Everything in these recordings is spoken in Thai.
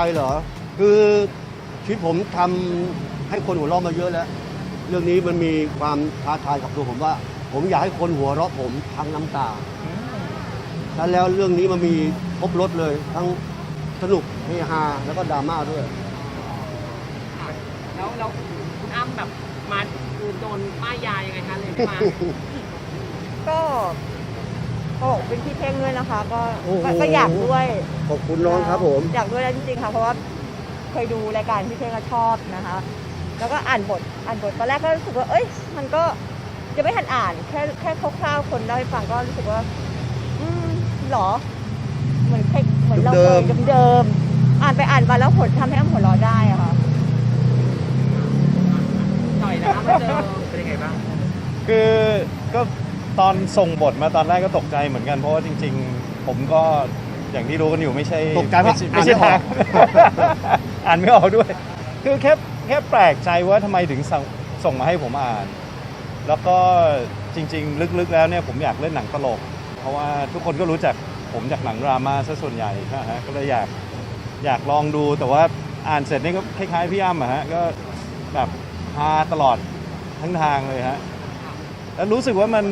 เหรอคือชีวิตผมทำให้คนหัวเราะมาเยอะแล้วเรื่องนี้มันมีความท้าทายกับตัวผมว่า ผมอยากให้คนหัวเราะผมทั้งน้ำตาแล้วเรื่องนี้มันมีครบรสเลยทั้งสนุกเฮฮาแล้วก็ดราม่าด้วยแล้วคุณอ้ำแบบมาคือโดนป้ายยายังไงคะเลยมาก็เป็นพี่เท่งด้วยนะคะโอ้โหก็อยากด้วยขอบคุณน้องครับผมอยากด้วยแล้วจริงๆค่ะเพราะว่าเคยดูรายการพี่เท่งก็ชอบนะคะ แล้วก็อ่านบทตอนแรกก็รู้สึกว่าเอ้ยมันก็จะไม่ทันอ่านแค่คร่าวๆคนเล่าให้ฟังก็รู้สึกว่าหรอเหมือนเราเคยเดิมๆอ่านไปอ่านมาแล้วผลทำให้อ้ำหัวเราะได้อะค่ะต่อยนะคะมาเจอเป็นยังไงบ้างคือก็ตอนส่งบทมาตอนแรกก็ตกใจเหมือนกันเพราะว่าจริงๆ ผมก็อย่างที่รู้กันอยู่ไม่ใช่ตกใจว่าไม่ใช่อ่านไม่ออกทาง อ่านไม่ออกด้วย คือแค่แปลกใจว่าทำไมถึงส่งมาให้ผมอ่าน แล้วก็จริงๆ ลึกๆแล้วเนี่ยผมอยากเล่นหนังตลก เพราะว่าทุกคนก็รู้จักผมจากหนังดราม่าซะส่วนใหญ่นะฮะก็เลยอยากลองดูแต่ว่าอ่านเสร็จนี่ก็คล้ายๆพี่อ้ำอะฮะก็แบบฮาตลอดทั้งทางเลยฮะแล้วรู้สึกว่ามัน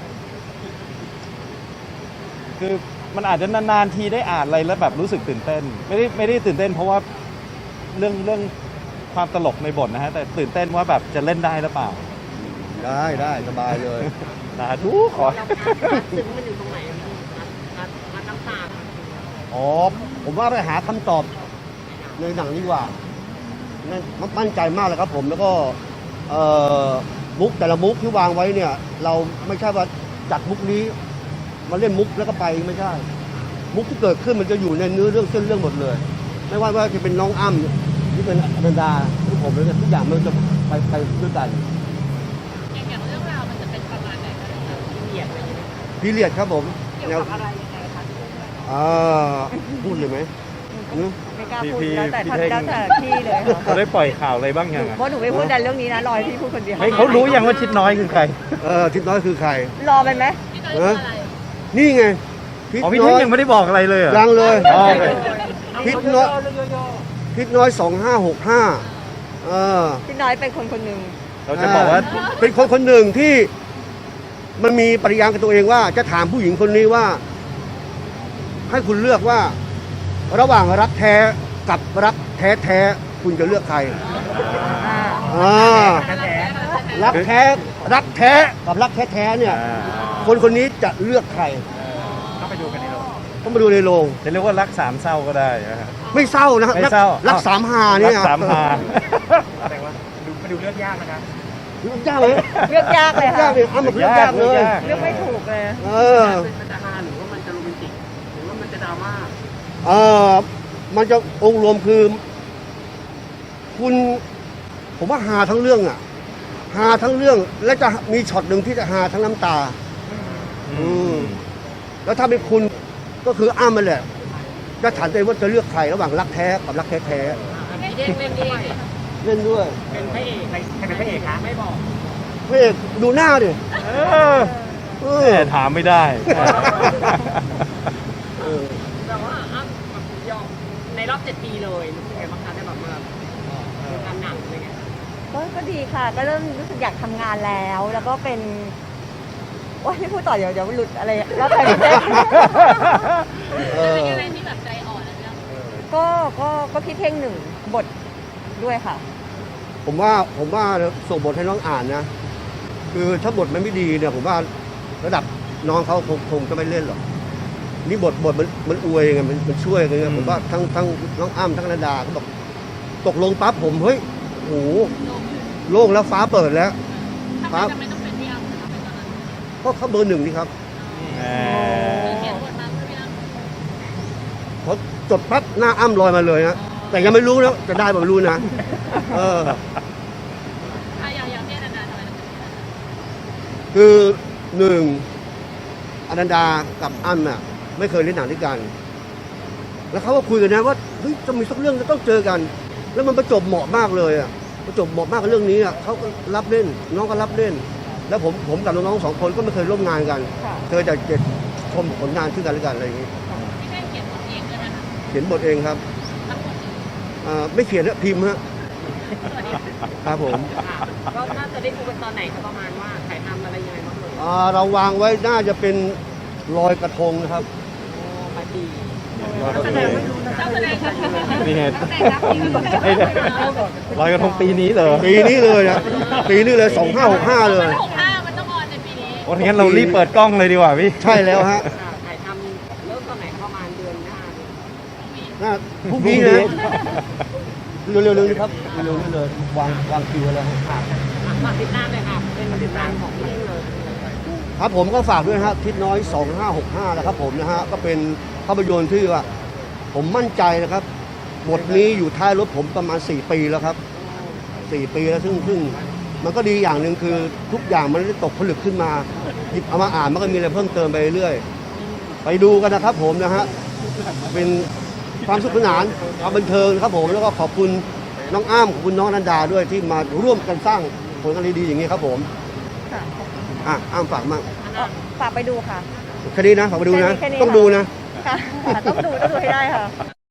คือมันอาจจะนานๆทีได้อ่านอะไรแล้วแบบรู้สึกตื่นเต้นไม่ได้ตื่นเต้นเพราะว่าเรื่องความตลกในบทนะฮะแต่ตื่นเต้นว่าแบบจะเล่นได้หรือเปล่าได้สบายเลยนะดูขอเราซึ้งมันอยู่ตรงไหนนัดน้ำตาอ๋อผมว่าไปหาคำตอบในหนังดีกว่านั่นมั่นใจมากเลยครับผมแล้วก็มุกแต่ละมุกที่วางไว้เนี่ย เราไม่ใช่ว่าจัดมุกนี้มาเล่นมุกแล้วก็ไปไม่ใช่ มุกที่เกิดขึ้นมันจะอยู่ในเนื้อเรื่องเส้นเรื่องหมดเลย ไม่ว่าจะเป็นน้องอ้ำที่เป็นอนันดาหรือผมเลยทุกอย่างมันจะไปด้วยกันอย่างเรื่องราวมันจะเป็นประมาณไหนคะเหยียดอะไรอย่างเงี้ยพีเรียดครับผมเกี่ยวกับอะไรยังไงคะพูดเลยไหมไม่กล้าพูดพี่แล้วแต่พี่เท่งแล้วแต่พี่เลยค่ะเขาได้ปล่อยข่าวอะไรบ้างยังเพราะหนูไม่พูดแต่เรื่องนี้นะรอให้พี่พูดคนเดียวให้เขารู้ยังว่าชิดน้อยคือใครทิศน้อยคือใครรอไปไหมพี่น้อยคืออะไรนี่ไงอ๋อพี่เท่งยังไม่ได้บอกอะไรเลยเหรอยังเลยอ๋อโอเคทิศน้อยทิศน้อย2565 พี่น้อยเป็นคนหนึ่งเราจะบอกว่าเป็นคนหนึ่งที่มันมีปริยางกับตัวเองว่าจะถามผู้หญิงคนนี้ว่า ให้คุณเลือกว่า ระหว่างรักแท้กับรักแท้คุณจะเลือกใครอ่ารักแท้กับรักแท้เนี่ย คนนี้จะเลือกใครต้องไปดูกันในโรงต้องมาดูในโรงจะเรียกว่ารักสามเศร้าก็ได้นะฮะไม่เศร้านะไม่เศร้ารักสามหาเนี่ยรักสามหาแต่ว่ามาดูเลือกยากนะครับเลือกยากเลยเลือกยากเลยค่ะยากเลยเอามาเลือกยากเลยเลือกไม่ถูกเลยมันจะฮาหรือว่ามันจะโรแมนติกหรือว่ามันจะดราม่ามันจะองค์รวมคือ ผมว่าหาทั้งเรื่องอ่ะหาทั้งเรื่องและจะมีช็อตหนึ่งที่จะหาทั้งน้ำตา แล้วถ้าเป็นคุณก็คืออ้ามันแหละจะถามตัวเองว่าจะเลือกใครระหว่างรักแท้กับรักแท้พี่เด้งเล่นด้วยๆเล่นด้วยเป็นพระเอกใครเป็นพระเอกคะไม่บอกพระเอกดูหน้าดิเออแต่ถามไม่ได้แต่ว่าอ้ำแบบยอมในรอบ7 ปีเลยรู้สึกไงบ้างคะได้แบบมาทำหนังอะไรเงี้ยก็ดีค่ะ ก็เริ่มรู้สึกอยากทำงานแล้ว แล้วก็เป็นว่าไม่พูดต่อเดี๋ยวหลุดอะไรแล้วแต่พี่เต้เป็นอะไรที่แบบใจอ่อนแล้วเนี่ยก็พี่เท่งหนึ่งบทด้วยค่ะผมว่าส่งบทให้น้องอ่านนะ คือถ้าบทมันไม่ดีเนี่ย ผมว่าระดับน้องเขาคงจะไม่เล่นหรอกนี่บทมันอวยไงมันช่วยกันไงผมว่าทั้งน้องอ้ำทั้งนาดาก็บอกตกลงปั๊บผมเฮ้ยโอ้โหโล่งแล้วฟ้าเปิดแล้วทำไมต้องเป็นพี่อ้ำนะคะเป็นตอนนั้นก็เขาเบอร์หนึ่งนี่ครับเขียนบทมาเพื่อพี่อ้ำพอจดปั๊บหน้าอ้ำลอยมาเลยนะแต่ยังไม่รู้นะจะได้ไม่รู้นะอย่างที่นานๆทำไมต้องเป็นพี่อ้ำคือหนึ่งอนันดากับอ้ำน่ะไม่เคยเล่นหนังด้วยกัน แล้วเขาก็คุยกันนะว่าเฮ้ยจะมีสักเรื่องจะต้องเจอกัน แล้วมันประจบเหมาะมากเลยอ่ะประจบเหมาะมากกับเรื่องนี้อ่ะเขาก็รับเล่นน้องก็รับเล่น แล้วผมกับน้องๆ2 คนก็ไม่เคยร่วมงานกันค่ะเคยแต่ชมผลงานขึ้นกันและกันอะไรอย่างนี้พี่เท่งเขียนบทเองด้วยนะคะเขียนบทเองครับทั้งหมดไม่เขียนนะพิมพ์ฮะครับผมค่ะก็น่าจะได้ดูกันตอนไหนคะประมาณว่าถ่ายทำอะไรยังไงบ้างเลยเราวางไว้น่าจะเป็นลอยกระทงนะครับโอ้ปาร์ตี้ลอยกระทงเจ้าแสดงกันอยู่นี่ไงแต่รับที่มันไอ้เนี่ยลอยกระทงปีนี้เหรอปีนี้เลยนะปีนี้เลย2565เลย 65มันต้องออนในปีนี้โอ้งั้นเรารีบเปิดกล้องเลยดีกว่าพี่ใช่แล้วฮะถ่ายทำเริ่มตอนไหนประมาณเดือนหน้าเนี่ยน่าพรุ่งนี้นะเร็วๆนี้ครับเร็วๆนี้เลยวางคิวแล้วฮะฝากติดตามเลยค่ะเป็นติดตามของพี่เลยครับผมก็ฝากด้วยนะฮะทิศน้อย2565นะครับผมนะฮะก็เป็นภาพยนตร์ที่ว่าผมมั่นใจนะครับบทนี้อยู่ท้ายรถผมประมาณ4 ปีแล้วครับ4 ปีแล้วซึ่งมันก็ดีอย่างหนึ่งคือทุกอย่างมันได้ตกผลึกขึ้นมาหยิบเอามาอ่านมันก็มีอะไรเพิ่มเติมไปเรื่อยไปดูกันนะครับผมนะฮะเป็นความสนุกสนานความบันเทิงครับผมแล้วก็ขอบคุณน้องอ้ามขอบคุณน้องนันดาด้วยที่มาร่วมกันสร้างผลงานดีๆอย่างนี้ครับผมค่ะอ้ามฝากมั่งฝากไปดูค่ะแค่นี้นะฝากไปดูนะแค่นี้ต้องดูนะค่ะต้องดูให้ได้ค่ะ